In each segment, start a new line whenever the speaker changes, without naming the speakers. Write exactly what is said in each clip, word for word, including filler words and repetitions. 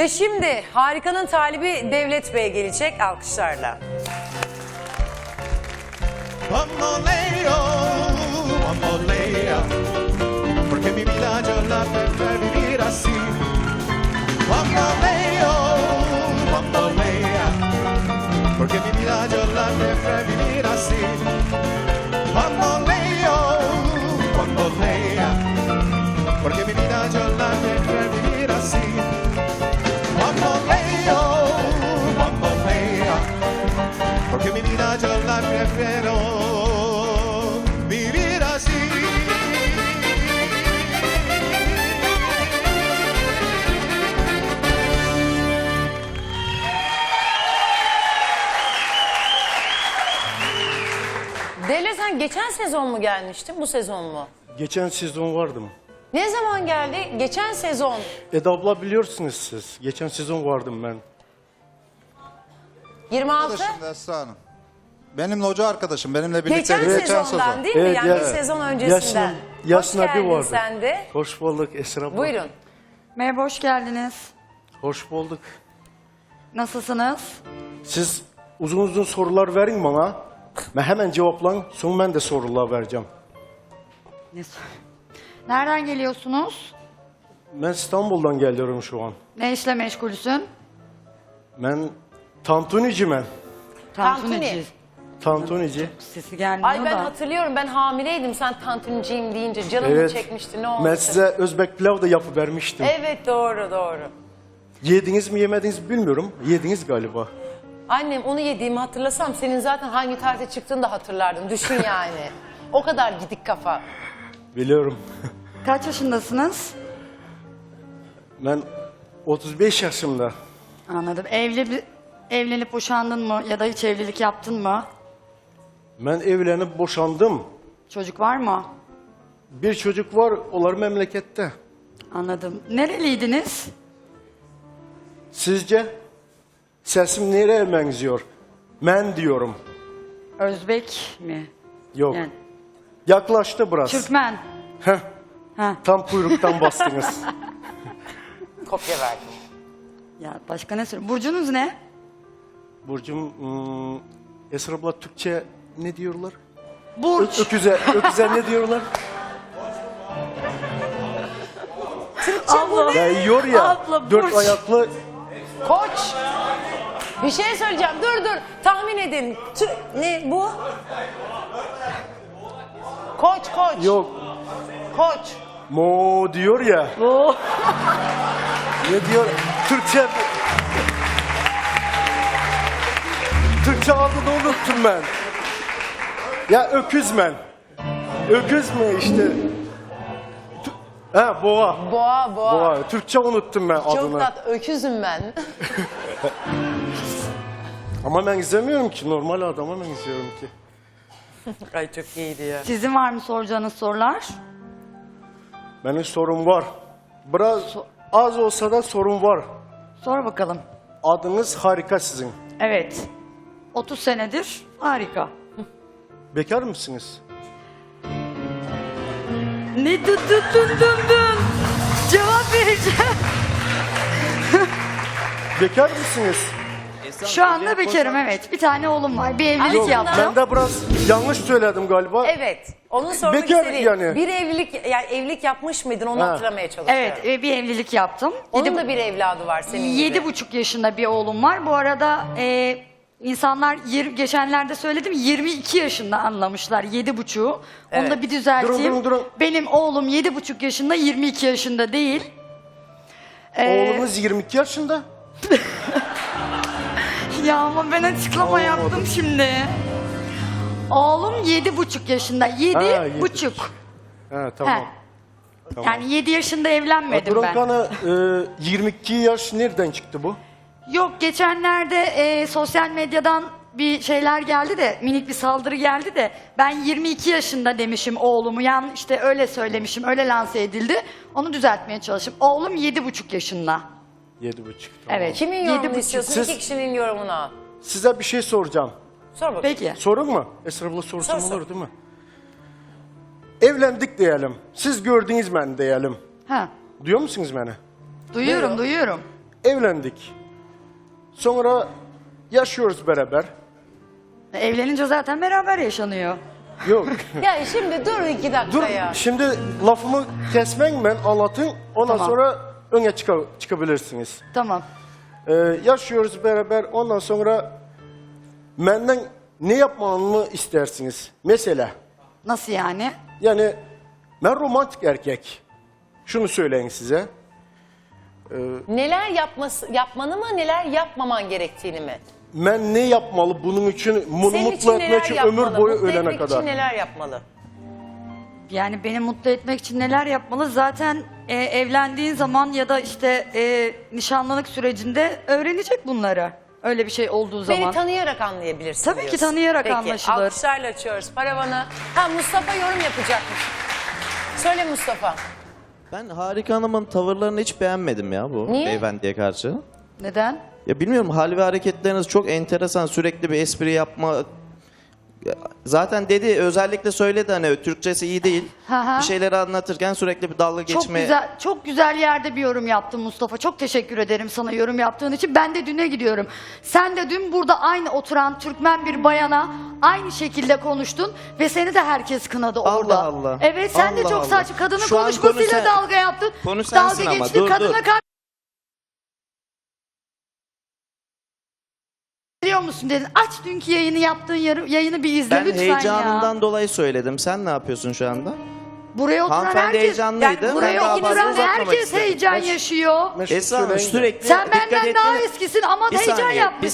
Ve şimdi Harika'nın talibi Devlet Bey gelecek alkışlarla.
Bamboleo, bambolea, porque mi vida yo la prefiero vivir así. Bamboleo, bambolea, porque mi vida yo la prefiero vivir así. Bamboleo, bambolea, porque mi vida yo la prefiero vivir así. Bamboleo, bambolea, porque mi vida yo la prefiero vivir así.
Devlet, sen geçen sezon mu gelmiştin, bu sezon mu?
Geçen sezon vardım.
Ne zaman geldi? Geçen sezon.
Eda abla biliyorsunuz siz. Geçen sezon vardım ben.
yirmi altı.
Arkadaşım da Esra Hanım. Benimle hoca arkadaşım. Benimle birlikte
Geçen,
geçen
sezondan
sezon.
değil mi?
Evet,
Yani
ya-
bir sezon öncesinden.
Yasin- Yasin
Hoş
abi
geldin
vardı.
sen de.
Hoş bulduk Esra abla.
Buyurun.
Merhaba, hoş geldiniz.
Hoş bulduk.
Nasılsınız?
Siz uzun uzun sorular verin bana. Ben hemen cevaplan. Sonra ben de sorular vereceğim.
Ne sor- Nereden geliyorsunuz?
Ben İstanbul'dan geliyorum şu an.
Ne işle meşgulsün?
Ben tantunici ben.
Tantunici.
Tantunici.
Sesi gelmiyor
Ay ben
da.
hatırlıyorum, ben hamileydim sen tantuniciyim deyince canımı
Evet.
çekmişti, ne oldu?
Ben size Özbek pilav da yapıvermiştim.
Evet, doğru doğru.
Yediniz mi yemediniz mi bilmiyorum. Yediniz galiba.
Annem onu yediğimi hatırlasam senin zaten hangi tarihte çıktığını da hatırlardım. Düşün yani. O kadar gidik kafa.
Biliyorum.
Kaç yaşındasınız?
Ben otuz beş yaşımda.
Anladım. Evli, evlenip boşandın mı ya da hiç evlilik yaptın mı?
Ben evlenip boşandım.
Çocuk var mı?
Bir çocuk var, onlar memlekette.
Anladım. Nereliydiniz?
Sizce? Sesim nereye benziyor? Men diyorum.
Özbek mi?
Yok.
Yani
Yaklaştı biraz.
Türkmen.
Heh,
Ha.
tam kuyruktan bastınız.
Kopya verdim.
Ya başka ne söyleyeyim? Burcunuz ne?
Burcum, hmm, Esra abla Türkçe ne diyorlar?
Burç.
Ö- öküze, öküze ne diyorlar?
Abla.
Ya yiyor ya,
Abla,
dört
burç.
ayaklı.
Koç. Bir şey söyleyeceğim. Dur dur. Tahmin edin. Tü- ne bu? Koç koç.
Yok,
Koç.
mo diyor ya.
Oo.
Ne diyor? Türkçe... Türkçe adını unuttum ben. Ya öküz men. Öküz mü işte? Tü- Ha boğa.
Boğa boğa.
Boğa. Türkçe unuttum ben
Çok
adını.
tat. Öküzüm ben.
Ama ben izlemiyorum ki. Normal adama ben izliyorum ki.
Ay çok iyiydi ya.
Sizin var mı soracağınız sorular?
Benim sorum var. Biraz az olsa da sorun var.
Sor bakalım.
Adınız harika sizin.
Evet. otuz senedir harika.
Bekar mısınız?
Ne dın dın dın dın dın. Cevap vereceğim.
Bekar mısınız?
Şu anda bekarım, evet. Bir tane oğlum var. Bir evlilik
Yok,
yaptım.
Ben de biraz yanlış söyledim galiba.
Evet. Onu sormak
Bekar
istediğim.
yani.
Bir evlilik, yani evlilik yapmış mıydın, onu
Ha.
hatırlamaya çalışıyorum.
Evet, e, bir evlilik yaptım.
Onun
Yedi,
da bir evladı var senin gibi.
yedi buçuk yaşında bir oğlum var. Bu arada e, insanlar yir, geçenlerde söyledim yirmi iki yaşında anlamışlar yedi buçuğu. Onu
Evet.
da bir düzelteyim.
Durun, durun, durun.
Benim oğlum yedi buçuk yaşında, yirmi iki yaşında değil. Ee,
Oğlumuz yirmi iki yaşında.
Ya ama ben açıklama
Olmadı.
yaptım şimdi. Oğlum yedi buçuk yaşında. Yedi,
Ha, yedi
buçuk.
Ha tamam.
He.
Tamam.
Yani yedi yaşında evlenmedim
Duran
ben.
Kan'a e, yirmi iki yaş nereden çıktı bu?
Yok, geçenlerde e, sosyal medyadan bir şeyler geldi de, minik bir saldırı geldi de ben yirmi iki yaşında demişim oğlumu. Yani işte öyle söylemişim, öyle lanse edildi. Onu düzeltmeye çalıştım. Oğlum yedi buçuk yaşında.
Yedi buçuk. Tamam.
Evet.
Kimin
yedi
yorumunu
buçuk.
istiyorsun?
Siz-
İki kişinin yorumunu al.
Size bir şey soracağım.
Sor bakalım.
Peki.
Sorun mu? Esra abla sorsun
Sor, sor.
olur değil mi? Evlendik diyelim. Siz gördünüz beni diyelim.
Ha.
Duyuyor musunuz beni?
Duyuyorum, duyuyorum.
evlendik. Sonra yaşıyoruz beraber.
Evlenince zaten beraber yaşanıyor.
Yok.
Ya şimdi dur iki dakika
Dur
ya.
şimdi lafımı kesmeyin, ben anlatın. Ondan
Tamam.
sonra öne çıka- çıkabilirsiniz.
Tamam.
Ee, yaşıyoruz beraber. Ondan sonra benden ne yapmamı istersiniz? Mesela
Nasıl yani?
yani ben romantik erkek. Şunu söyleyeyim size.
Neler yapması, yapmanı mı neler yapmaman gerektiğini mi?
Ben ne yapmalı bunun için, bunu
Senin
mutlu
için
etmek
neler
için
yapmalı?
ömür boyu
Mutlu
ölene
etmek
kadar.
için neler yapmalı?
Yani beni mutlu etmek için neler yapmalı? Zaten e, evlendiğin zaman ya da işte e, nişanlılık sürecinde öğrenecek bunları. Öyle bir şey olduğu zaman.
Beni tanıyarak anlayabilirsin
Tabii ki
diyorsun.
tanıyarak
Peki,
anlaşılır.
alkışlarla açıyoruz paravanı. Ha Mustafa yorum yapacakmış. Söyle Mustafa.
Ben Harika Hanım'ın tavırlarını hiç beğenmedim ya bu
Niye?
beyefendiye karşı.
Neden?
Ya bilmiyorum, hal ve hareketleriniz çok enteresan. Sürekli bir espri yapma. Ya zaten dedi, özellikle söyledi hani Türkçesi iyi değil.
Hı hı.
Bir şeyleri anlatırken sürekli bir dalga
Çok
geçme.
güzel, çok güzel yerde bir yorum yaptın Mustafa. Çok teşekkür ederim sana yorum yaptığın için. Ben de düne gidiyorum. Sen de dün burada aynı oturan Türkmen bir bayana aynı şekilde konuştun ve seni de herkes kınadı
Allah
orada.
Allah.
Evet, sen de
Allah
çok
Allah.
saçma. Kadının
Şu an
konuşmasıyla
konu sen-
dalga yaptın.
Konu sensin
dalga
ama,
geçtin.
dur,
Kadına
dur.
karşı biliyor musun dedin. Aç dünkü yayını yaptığın yarı- yayını bir izle
Ben
lütfen
heyecanından
ya.
dolayı söyledim. Sen ne yapıyorsun şu anda?
Buraya oturan
Hanımefendi
herkes,
heyecanlıydı.
yani
Ben
buraya
daha fazla
oturan
uzatmamak
herkes
istedim.
heyecan yaşıyor.
Ben şunu
Esra Hanım
söyleyeyim de.
sürekli
Sen
dikkat
benden daha
ettiğiniz-
eskisin ama
Bir
heyecan
saniye,
yapmışsın.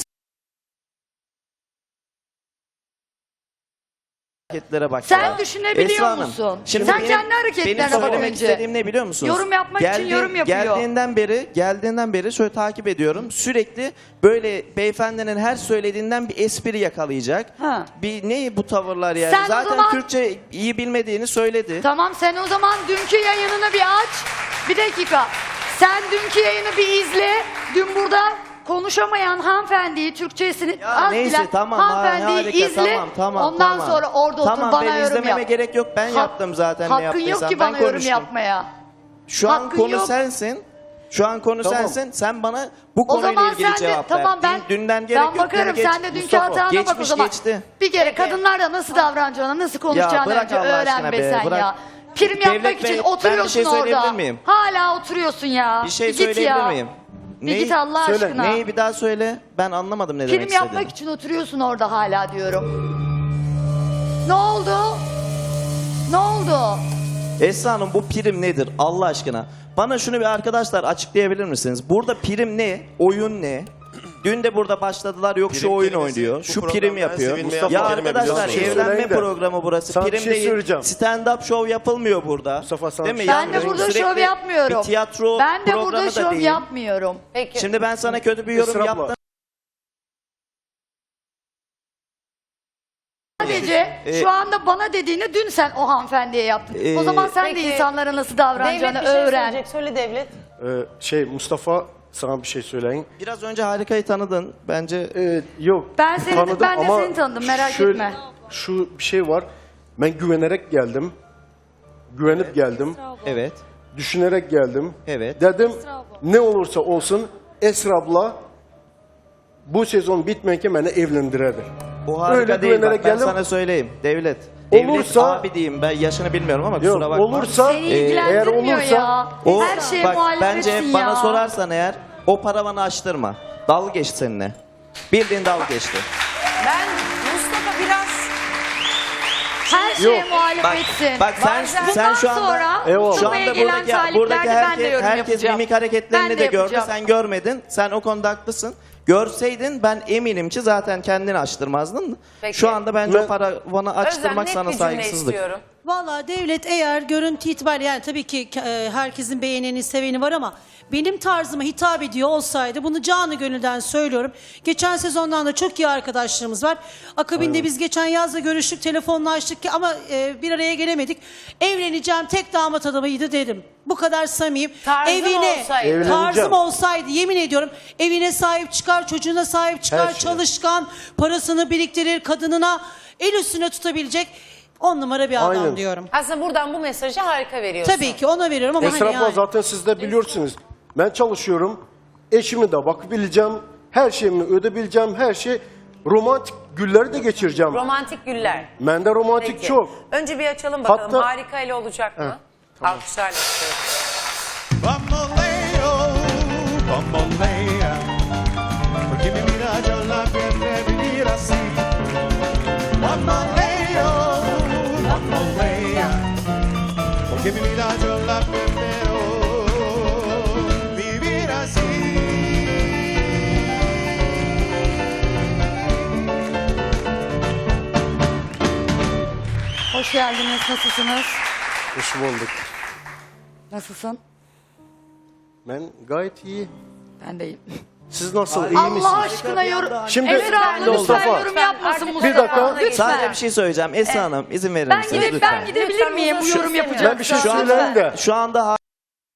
hareketlere bak
Sen
ya.
düşünebiliyor
Esra Hanım,
musun?
Şimdi
Sen
benim,
kendi hareketlerine
benim
bak
söylemek
önce.
istediğim ne biliyor musunuz?
Yorum yapmak için yorum yapıyor.
Geldiğinden beri, geldiğinden beri şöyle takip ediyorum. Sürekli böyle beyefendinin her söylediğinden bir espri yakalayacak.
Ha.
Bir ne bu tavırlar yani?
Sen o
Zaten
zaman-
Türkçe iyi bilmediğini söyledi.
Tamam, sen o zaman dünkü yayınını bir aç. Bir dakika. Sen dünkü yayını bir izle. Dün burada konuşamayan hanımefendiyi, Türkçesini
Ya
az
neyse,
bilen
tamam,
hanımefendiyi
harika,
izle.
tamam, tamam,
Ondan
tamam.
sonra orada
Tamam,
otur bana
ben
yorum
izlememe
yap.
gerek yok. Ben
Hak-
yaptım zaten ne
Hakkın yok
yaptıysam.
ki
Ben
bana yorum
konuştum.
yapmaya.
Şu an
Hakkın
konu
yok.
sensin. Şu an konu
Tamam.
sensin. Sen bana bu
O
konuyla
zaman
ilgili
sen de
cevap
tamam
ver.
ben
Dün- Dünden gerek
ben
yok.
bakarım,
Geç-
sen de dünkü
Mustafa,
hatana bak o
geçmiş
zaman.
geçti.
Bir kere
Peki.
kadınlarla nasıl davranacağını, nasıl konuşacağını
bırak
önce
Allah aşkına
öğren
be,
be sen
bırak.
ya. Prim
Devlet
yapmak
Bey,
için
ben bir
oturuyorsun
şey söyleyebilir
orada.
miyim?
Hala oturuyorsun ya.
Bir şey
git
söyleyebilir
ya.
miyim?
Bir
Neyi?
git Allah
Söyle.
aşkına.
Neyi bir daha söyle. Ben anlamadım ne demek
Prim
istediğini.
yapmak için oturuyorsun orada hala diyorum. Ne oldu? Ne oldu?
Esra Hanım, bu prim nedir Allah aşkına? Bana şunu bir arkadaşlar açıklayabilir misiniz? Burada prim ne? Oyun ne? Dün de burada başladılar, yok şu
Prim
oyun
kelimesi
oynuyor,
bu
şu
programda
prim
en
yapıyor.
sevilmeyen
Ya
bir kelime
arkadaşlar,
biliyorsunuz.
evlenme
Söyleyin de.
programı burası.
Sana bir
Prim
şey
değil.
söyleyeceğim.
Stand-up show yapılmıyor burada.
Mustafa, sana
Değil
bir
mi?
şey
Ben de
Yani
burada
sürekli
şov yapmıyorum.
Bir tiyatro
Ben de
programı
burada
da
şov
değil.
yapmıyorum.
Peki.
Şimdi ben sana kötü bir yorum
Esra abla.
yaptım.
Sadece
Ee,
şu anda bana dediğini dün sen o hanımefendiye yaptın. o
Ee,
zaman sen
Peki.
de insanlara nasıl
Devlet
davranacağını
bir şey
öğren.
söyleyecek. Söyle Devlet.
Ee, şey Mustafa, sana bir şey söyleyeyim.
Biraz önce Harika'yı tanıdın. Bence
Ee, yok.
Ben seni-
tanıdım
ben de
ama
seni tanıdım, merak
şöyle-
etme.
Şu bir şey var. Ben güvenerek geldim. Güvenip geldim.
evet.
Düşünerek geldim.
Evet.
Dedim ne olursa olsun Esra abla bu sezon bitmeyken beni evlendiredir.
Bu harika
Öyle
değil, bak,
güvenerek
ben
geldim.
sana söyleyeyim. Devlet.
Olursa-
Devlet abi diyeyim, ben yaşını bilmiyorum ama kusura
Yok,
bakma.
olursa
Seni
e, eğer
ilgilendirmiyor
olursa
ya.
O,
Her şeye
bak,
muhalefetsin
bence
ya.
bana sorarsan eğer o paravanı açtırma. Dalga geçti seninle. Bildiğin dalga geçti.
Ben Mustafa biraz
Her şeye
Yok.
Bak,
muhalefetsin.
bak sen
Bazen-
sen şu anda
sonra
Eyvallah.
şu anda
Mustafa'ya gelen
buradaki,
taliplerde
buradaki
ben de
herkes,
yorum
herkes
yapacağım.
mimik hareketlerini
Ben
de,
de
gördü.
yapacağım.
Sen görmedin. Sen o konuda haklısın. Görseydin ben eminim ki zaten kendini açtırmazdın.
Peki.
Şu anda bence
Ben-
o paravanı
Özlem
açtırmak
net
sana
bir cümle
saygısızlık.
istiyorum.
Valla devlet eğer görüntü itibariyle yani tabii ki e, herkesin beğeneni seveni var ama benim tarzıma hitap ediyor olsaydı bunu canı gönülden söylüyorum. Geçen sezondan da çok iyi arkadaşlarımız var. Akabinde biz geçen yazla görüştük, telefonlaştık ki ama e, bir araya gelemedik. Evleneceğim tek damat adamıydı dedim. Bu kadar samimiyim.
Tarzım olsaydı.
Evleneceğim.
Tarzım olsaydı yemin ediyorum evine sahip çıkar, çocuğuna sahip çıkar,
Her şeye.
çalışkan, parasını biriktirir, kadınına el üstüne tutabilecek on numara bir adam
Aynen.
diyorum.
Aslında buradan bu mesajı harika veriyorsun.
Tabii ki ona veriyorum ama
Esra
hani
abla
yani.
zaten siz de biliyorsunuz. Ben çalışıyorum. Eşimi de bakabileceğim. Her şeyimi ödebileceğim. Her şey romantik günleri de geçireceğim.
Romantik güller.
Bende romantik
Peki.
çok.
Önce bir açalım bakalım.
Hatta-
Harika ile olacak mı? Alkışlarla istiyorum.
Bamboleo, bambolea, porque mi vida yo la querré vivir así. Bamboleo, bambolea, porque mi vida yo la prefiero vivir así.
Hoş geldiniz. Nasılsınız?
Hoş bulduk.
Nasılsın?
Ben gayet iyi.
Ben deyim.
Siz nasıl? İyi
Allah
misiniz?
aşkına yorum.
Şimdi
Esra abla lütfen
Mustafa.
yorum yapmasın
Bir
Mustafa.
dakika.
Lütfen.
Sadece bir şey söyleyeceğim. Esra Hanım izin verir
Ben,
misiniz
gidip,
lütfen?
ben gidebilir
Lütfen
miyim bu
uzun
yorum
süre
yapacak?
Ben bir şey
Şu anda-
söyleyeyim de.
Şu anda ha-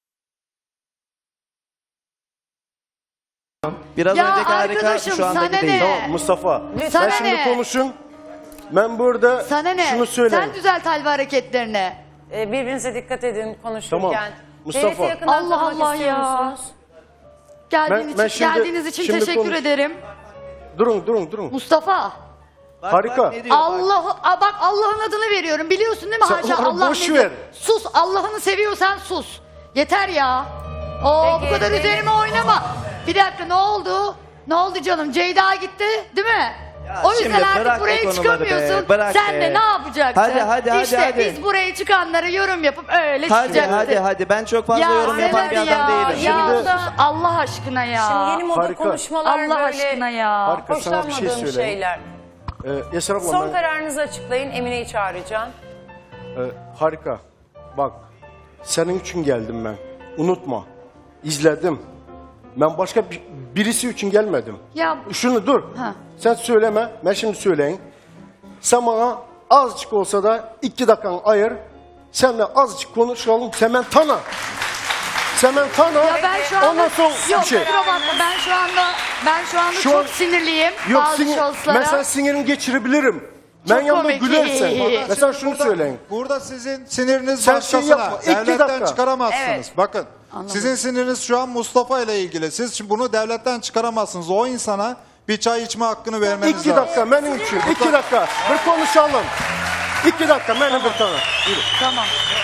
Biraz
Ya
önceki harika
arkadaşım,
şu anda
sana
değil.
ne?
Tamam Mustafa.
Sana
Sen şimdi
ne?
konuşun. Ben burada
Sana ne?
şunu söyleyeyim.
Sen düzelt hal ve hareketlerini.
Ee, birbirinize dikkat edin konuşurken.
Tamam. Mustafa.
Devleti yakından
Allah
tanımak
Allah
istiyor
ya.
musunuz?
Geldiğin
Ben- ben
için,
şimdi-
geldiğiniz için
şimdi
teşekkür
konuş-
ederim.
Durun durun durun.
Mustafa.
Bak,
Harika.
bak ne diyor, bak.
Allah Aa, bak Allah'ın adını veriyorum. Biliyorsun değil mi?
Sen
Haşa
onu
Allah
boş
ne
ver.
diyor? Sus. Allah'ını seviyorsan sus. Yeter ya. Oo,
Peki,
bu kadar
benim-
üzerime oynama. Bir dakika ne oldu? Ne oldu canım? Ceyda gitti değil mi? o yüzden
şimdi
artık
bırak o
buraya
konuları be,
çıkamıyorsun.
bırak
Sen
be.
de ne yapacaksın?
Hadi, hadi, hadi,
İşte
hadi.
biz buraya çıkanlara yorum yapıp öyle
Hadi
çıkacaksın.
hadi hadi ben çok fazla yorum
sen
yapan bir
hadi
adam
ya,
değilim.
Ya
Şimdi-
sus Allah aşkına ya.
Şimdi yeni moda
Harika.
konuşmalar
Allah
böyle
aşkına ya.
Harika, sana bir şey
hoşlanmadığım
söyleyeyim.
şeyler.
Ee, Esra abla
Son
ben-
kararınızı açıklayın. Emine'yi çağıracağım.
Ee, harika. Bak, senin için geldim ben. Unutma. İzledim. Ben başka bir- birisi için gelmedim.
Ya
Şunu dur.
Ha.
Sen söyleme. Ben şimdi söyleyeyim. Sen bana azıcık olsa da iki dakikanı ayır. Sen de azıcık konuşalım. Sen beni tanı. Sen beni tanı.
Ya ben şu anda
Ondan sonra
yok
bir şey.
kusura bakma ben şu anda ben şu anda
Şu
çok
an-
sinirliyim
Yok,
bazı
sinir,
şahıslara.
mesela sinirini geçirebilirim. Ben
Çok
yanında
komik.
gülersen. Mesela şunu
Burada-
söyleyeyim.
Burada sizin siniriniz
Sen şey
başkasına.
yapma, iki
devletten
dakika.
çıkaramazsınız.
Evet.
Bakın sizin siniriniz şu an Mustafa ile ilgili. Siz şimdi bunu devletten çıkaramazsınız. O insana bir çay içme hakkını vermeniz
İki
lazım.
dakika benim için. İki dakika. Bir konuşalım. İki dakika benim bir tane. Yürü.
Tamam.